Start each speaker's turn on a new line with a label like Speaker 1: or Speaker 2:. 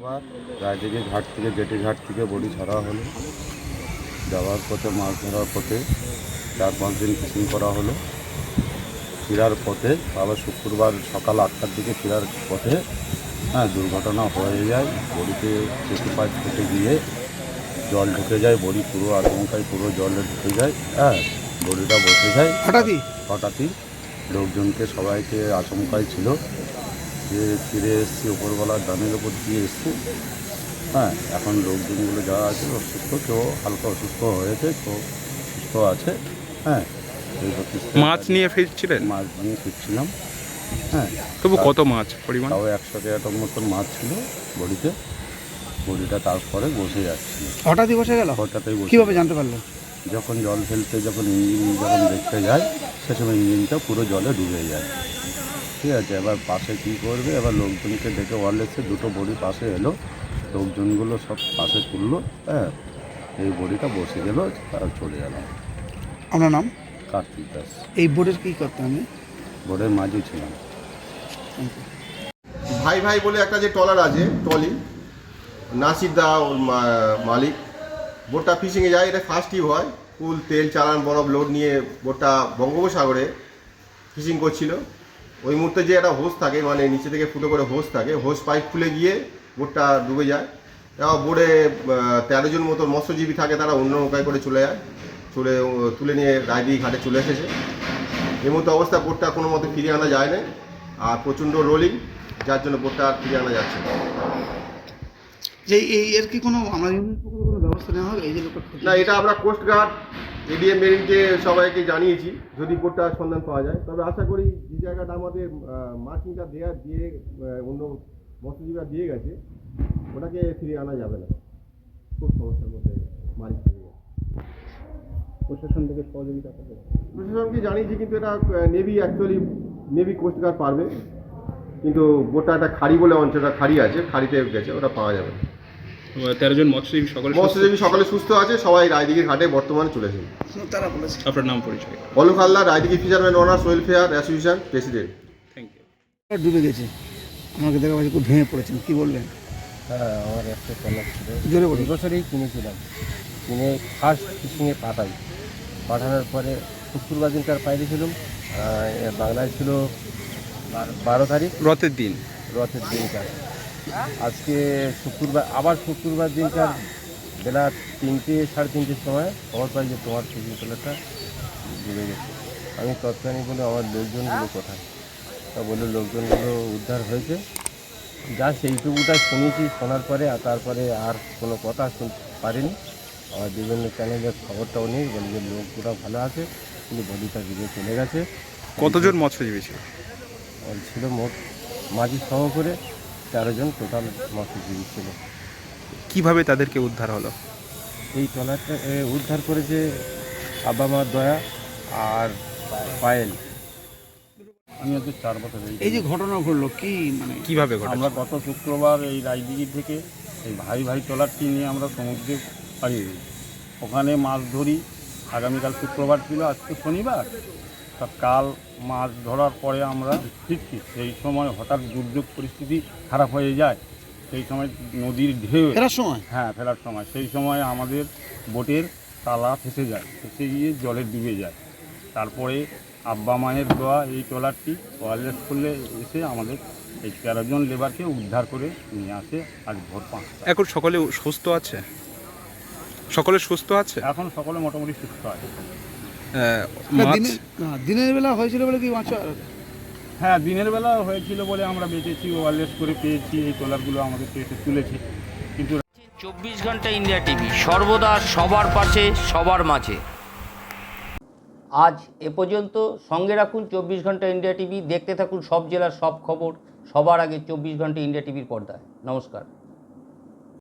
Speaker 1: শুক্রবার রায়দিঘি ঘাট থেকে জেটি ঘাট থেকে বড়ি ছাড়া হলো। যাওয়ার পথে মাছ ধরার পথে 4-5 দিন ফিশিং করা হলো। ফেরার পথে আবার শুক্রবার সকাল 8টার দিকে ফেরার পথে দুর্ঘটনা হয়ে যায়। বড়িতে চেতু পাইপ ফেটে গিয়ে জল ঢুকে যায়, বড়ি পুরো আচমকায় পুরো জলে ঢুকে যায়। বড়িটা বসে যায় হঠাৎই। লোকজনকে সবাইকে আচমকায় ছিল যে ফিরে এসছি উপরবেলার দানের ওপর দিয়ে এসছি। এখন লোকজনগুলো যারা আছে অসুস্থ, কেউ হালকা অসুস্থ হয়েছে, কেউ সুস্থ আছে।
Speaker 2: মাছ নিয়ে ফিরছিলেন?
Speaker 1: মাছ নিয়ে ফিরছিলাম।
Speaker 2: তবু কত মাছ পরিমাণ?
Speaker 1: তাও 100 টাকার মতন মাছ ছিল বড়িতে। বড়িটা তারপরে বসে যাচ্ছিল।
Speaker 3: হঠাৎই বসে গেল?
Speaker 1: হঠাৎই বসে।
Speaker 3: কীভাবে জানতে পারলো?
Speaker 1: যখন জল ফেলতে যখন ইঞ্জিন যখন দেখতে যায় সে সময় ইঞ্জিনটা পুরো জলে ডুবে যায়। ঠিক আছে, এবার পাশে কী করবে, এবার লোকজনকে ডেকে ওয়ারলেসে দুটো বড়ি পাশে এলো, লোকজনগুলো সব পাশে তুললো। এই বড়িটা বসে গেল, তারা চলে গেল।
Speaker 3: আপনার নাম?
Speaker 1: কার্তিক দাস।
Speaker 3: এই বোর্ডের কী করতে আমি?
Speaker 1: বোর্ডের মাঝি ছিলাম।
Speaker 4: ভাই ভাই বলে একটা যে ট্রলার আছে, ট্রলি, নাসির দা ওর মালিক। বোটটা ফিশিংয়ে যায়, এটা ফার্স্ট ট্রিপ হয়। ফুল তেল চালান বরফ লোড নিয়ে বোটটা বঙ্গোপসাগরে ফিশিং করছিল। ওই মুহূর্তে যে একটা হোস থাকে, মানে নিচে থেকে ফুটো করে হোস থাকে, হোস পাইপ খুলে গিয়ে বোটটা ডুবে যায়। এবার বোটে 13 জন মতো মৎস্যজীবী থাকে, তারা অন্য নৌকায় করে চলে যায়, তুলে নিয়ে রায়দিঘি ঘাটে চলে এসেছে। এই মতো অবস্থা বোটটা কোনো মতে ফিরিয়ে আনা যায় না, আর প্রচণ্ড রোলিং, যার জন্য বোটটা আর ফিরিয়ে আনা যাচ্ছে না।
Speaker 3: যে এর কি কোনো আমাদের কোনো ব্যবস্থা নেওয়া হবে? এই যে
Speaker 4: না, এটা আমরা কোস্টগার্ড, এডিএম মেরিনকে সবাইকে জানিয়েছি যদি বোটটার সন্ধান পাওয়া যায়। তবে আশা করি যে জায়গাটা আমাদের মার্কিংটা দিয়ে অন্য মৎস্যজীবীরা দিয়ে গেছে, ওটাকে ফিরিয়ে আনা যাবে না। খুব সমস্যার মধ্যে মালিক হয়ে গেছে।
Speaker 3: প্রশাসন থেকে সহযোগিতা পাবে?
Speaker 4: প্রশাসনকে জানিয়েছি, কিন্তু এটা নেভি কোস্টগার্ড পারবে, কিন্তু বোটটা একটা খাড়ি বলে অঞ্চলটা খাড়ি আছে, খাড়িতে গেছে, ওটা পাওয়া যাবে না।
Speaker 2: 13 জন মৎস্যজীবী
Speaker 4: সকলে সুস্থ আছে, সবাই রায়দিঘির ঘাটে বর্তমানে চলে এসেছে।
Speaker 3: তারা বলেছে।
Speaker 2: আপনার নাম পরিচয়?
Speaker 4: Alok Haldar, Raidighi fisherman owners welfare association president.
Speaker 2: Thank you.
Speaker 3: ডুবে গেছে, আমাকে দেখা পাচ্ছি খুব ভেঙে পড়েছেন, কি বললেন?
Speaker 5: আমার একটা ট্রলার ছিল,
Speaker 3: জোরে বলুন।
Speaker 5: 2 বছরেই কিনেছিলাম। কিনে ফার্স্ট ফিশিংয়ে পাঠানোর পরে শুক্রবার দিনকার পাইয়েছিলাম। বাংলায় ছিল 12 তারিখ,
Speaker 2: রথের দিন।
Speaker 5: রথের দিনকার। আজকে শুক্রবার দিনকার বেলা 3টে সাড়ে 3টের সময় খবর পাই যে তোমার ফিশিং ট্রলারটা ডুবে গেছে। আমি তৎক্ষণাৎ বলে আমার লোকজনগুলো কোথায়, তা বললো লোকজনগুলো উদ্ধার হয়েছে। যা সেইটুকুটা শুনেছি, শোনার পরে তারপরে আর কোনো কথা শুনতে পারিনি। আমার বিভিন্ন চ্যানেলের খবরটাও নেই, বলে যে লোকগুলো ভালো আছে, কিন্তু বডিটা ডুবে চলে গেছে।
Speaker 2: কতজন মৎস্যজীবী ছিল?
Speaker 5: ছিল মোট মাঝি সহ করে 13 জন টোটাল মৎস্যজীবী ছিল।
Speaker 2: কিভাবে তাদেরকে উদ্ধার হলো?
Speaker 5: এই ট্রলারটা উদ্ধার করেছে আব্বা মার দয়া আর পায়েল।
Speaker 1: আমি আজকে 4 বছর হয়ে
Speaker 3: এই যে ঘটনা ঘটলো, কি মানে
Speaker 2: কিভাবে ঘটে?
Speaker 1: আমরা গত শুক্রবার এই রায়দিঘি থেকে এই ভাই ট্রলারটি নিয়ে আমরা সমুদ্রে পাড়ি দিই, ওখানে মাছ ধরি। আগামীকাল শুক্রবার ছিল, আজকে শনিবার। তা কাল মাছ ধরার পরে আমরা ফিরছি, সেই সময় হঠাৎ দুর্যোগ পরিস্থিতি খারাপ হয়ে যায়। সেই সময় নদীর ঢেউ,
Speaker 3: ফেরার সময়?
Speaker 1: ফেরার সময়, সেই সময় আমাদের বোটের তালা ফেসে যায়, ফেসে গিয়ে জলে ডুবে যায়। তারপরে আব্বা মায়ের দোয়া এই ট্রলারটি ওয়ারলেস করলে এসে আমাদের এই 13 জন লেবারকে উদ্ধার করে নিয়ে আসে আজ ভোর 5টা।
Speaker 2: এখন সকলে সুস্থ আছে? সকলে সুস্থ আছে?
Speaker 1: এখন সকলে মোটামুটি সুস্থ আছে।
Speaker 3: দিনের বেলা হয়েছিল বলে কি মাছ?
Speaker 1: হ্যাঁ, দিনের বেলা হয়েছিল বলে আমরা বেঁচেছি, ওয়ারলেস করে পেয়েছি, এই ট্রলারগুলো আমাদেরকে এসে তুলেছে। কিন্তু
Speaker 6: 24 ঘন্টা ইন্ডিয়া টিভি, সর্বদা সবার পাশে, সবার মাঝে। আজ এ পর্যন্ত। সঙ্গে রাখুন 24 ঘন্টা ইন্ডিয়া টিভি। দেখতে থাকুন সব জেলার সব খবর সবার আগে 24 ঘন্টা ইন্ডিয়া টিভির পর্দায়। নমস্কার।